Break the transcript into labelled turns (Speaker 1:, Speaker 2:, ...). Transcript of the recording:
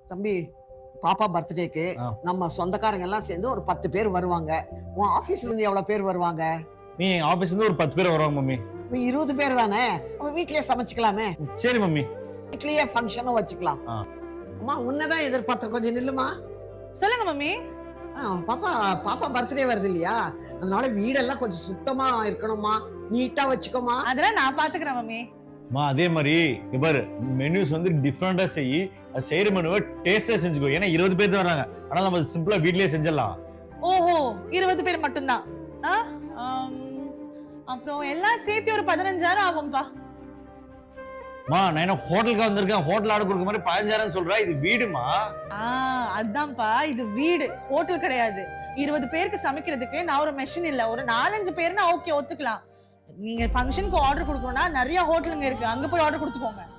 Speaker 1: தம்பி, பாப்பா பர்த்டேக்கு
Speaker 2: ஆ.
Speaker 1: நம்ம சொந்தக்காரங்க எல்லாம் சேர்ந்து ஒரு 10 பேர் வருவாங்க. உன் ஆபீஸ்ல இருந்து எவ்வளவு பேர் வருவாங்க?
Speaker 2: நீ ஆபீஸ்ல இருந்து ஒரு 10 பேர் வருவாங்க மம்மி.
Speaker 1: 20 பேர் தானே. நம்ம வீட்லயே சமைச்சுக்கலாமே.
Speaker 2: சரி மம்மி.
Speaker 1: வீட்லயே ஃபங்க்ஷனும் வச்சுக்கலாம்.
Speaker 2: ஆ.
Speaker 1: அம்மா உன்னதான் எதிர்பார்த்த, கொஞ்சம் நில்லுமா.
Speaker 3: சொல்லுங்க மம்மி.
Speaker 1: பாப்பா பாப்பா பர்த்டே வருது இல்லையா, அதனால வீடெல்லாம் கொஞ்சம் சுத்தமா இருக்கணுமா, நீட்டா வச்சுக்கோமா.
Speaker 3: அதெல்லாம் நான் பாத்துக்கிறேன் மம்மி.
Speaker 2: மா அதே மாதிரி இங்க பாரு, மெனுஸ் வந்து டிஃபரெண்டா செய். அது செய்யற மெனுவை டேஸ்டா செஞ்சுக்கோ. ஏன்னா 20 பேர் தான் வராங்க. ஆனா நம்ம சிம்பிளா வீட்லயே செஞ்சிடலாம்.
Speaker 3: ஓஹோ, 20 பேர் மட்டும்தான். அப்புறம் எல்லாம் சேர்த்து ஒரு 15,000 ஆகும்பா.
Speaker 2: மா நான் என்ன ஹோட்டலுக்கு வந்திருக்கேன், ஹோட்டல் ஆர்டர் கொடுக்க மாதிரி 15,000 சொல்றா. இது வீடுமா.
Speaker 3: அதான்ப்பா, இது வீடு, ஹோட்டல் கிடையாது. 20 பேருக்கு சமைக்கிறதுக்கு நான் ஒரு மெஷின் இல்ல. ஒரு 4-5 பேர்னா ஓகே, ஒத்துக்கலாம். நீங்க ஃபங்க்ஷனுக்கு ஆர்டர் கொடுக்கணும்னா நிறைய ஹோட்டலுங்க இருக்கு, அங்க போய் ஆர்டர் கொடுத்துக்கோங்க.